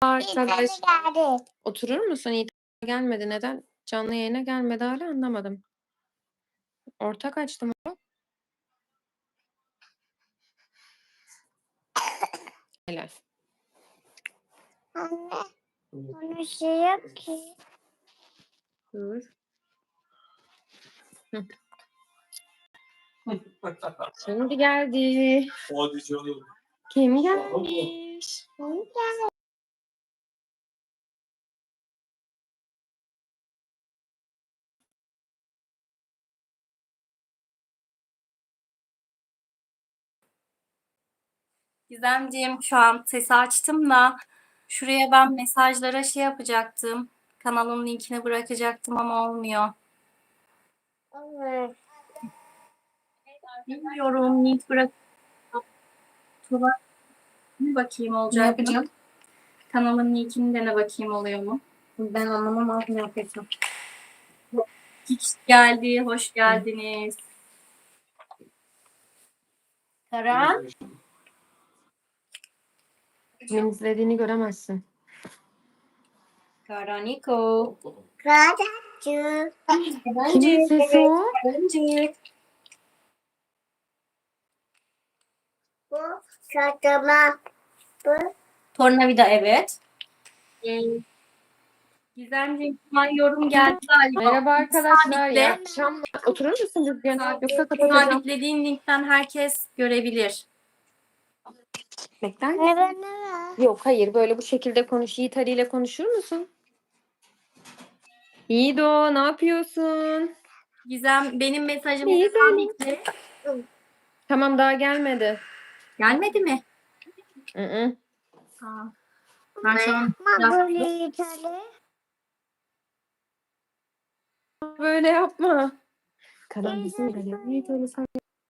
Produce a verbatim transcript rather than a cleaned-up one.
Arkadaş, geldi. oturur musun? İyi gelmedi. Neden canlı yayına gelmedi hala anlamadım. Ortak açtım onu. Helal. Anne, onun şey yok ki. Dur. Hı. Şimdi geldi. Hadi canım. Kim gelmiş? Onu gel. Gizemciğim şu an sesi açtım da şuraya ben mesajlara şey yapacaktım. Kanalın linkini bırakacaktım ama olmuyor. Evet. Bilmiyorum link bırak. Tuba bir bakayım Ne olacak mı? yapacağım? Kanalın linkini de ne bakayım oluyor mu? Ben anlamam abi ne yapıyorsun. Hiç geldi, hoş geldiniz. Karan. Kimin izlediğini göremezsin. Karaniko. Radyocu. Kimin sesi o? Karancık. Bu çatama. Bu Tornavida evet. Ee, Gizemciğim şu an yorum geldi galiba. Merhaba arkadaşlar. Sabitle. İyi akşamlar. Oturur musun Rüzgar? Sabit- Yoksa kapatacağım. Sabitlediğin linkten herkes görebilir. Bekler misin? ne ben ne var? Yok hayır böyle bu şekilde konuş. Yiğit Ali ile konuşur musun? Yiğido ne yapıyorsun? Gizem benim mesajımı İyi, sabitle. Tamam daha gelmedi. Gelmedi mi? Hı hı. Aa, ben şu an Ama böyle yeterli. Böyle yapma. Karan bizim geliyor. Yiğit Ali sen